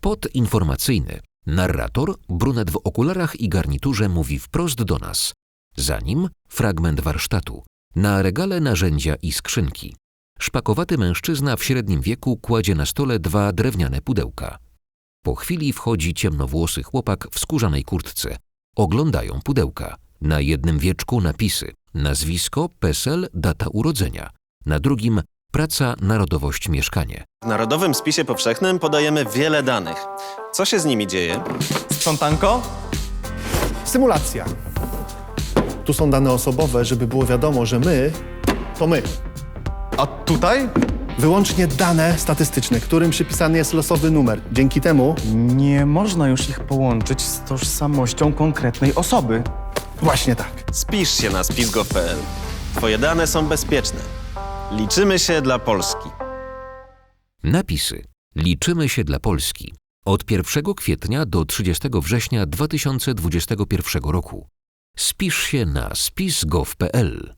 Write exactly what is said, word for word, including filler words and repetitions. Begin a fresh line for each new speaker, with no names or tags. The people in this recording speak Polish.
Spot informacyjny. Narrator, brunet w okularach i garniturze, mówi wprost do nas. Za nim fragment warsztatu. Na regale narzędzia i skrzynki. Szpakowaty mężczyzna w średnim wieku kładzie na stole dwa drewniane pudełka. Po chwili wchodzi ciemnowłosy chłopak w skórzanej kurtce. Oglądają pudełka. Na jednym wieczku napisy. Nazwisko, PESEL, data urodzenia. Na drugim praca, narodowość, mieszkanie.
W Narodowym Spisie Powszechnym podajemy wiele danych. Co się z nimi dzieje?
Sprzątanko?
Symulacja. Tu są dane osobowe, żeby było wiadomo, że my to my.
A tutaj?
Wyłącznie dane statystyczne, którym przypisany jest losowy numer. Dzięki temu...
Nie można już ich połączyć z tożsamością konkretnej osoby.
Właśnie tak.
Spisz się na spis kropka gov kropka pe el. Twoje dane są bezpieczne. Liczymy się dla Polski.
Napisy. Liczymy się dla Polski. Od pierwszego kwietnia do trzydziestego września dwa tysiące dwudziestego pierwszego roku. Spisz się na spis kropka gov kropka pe el.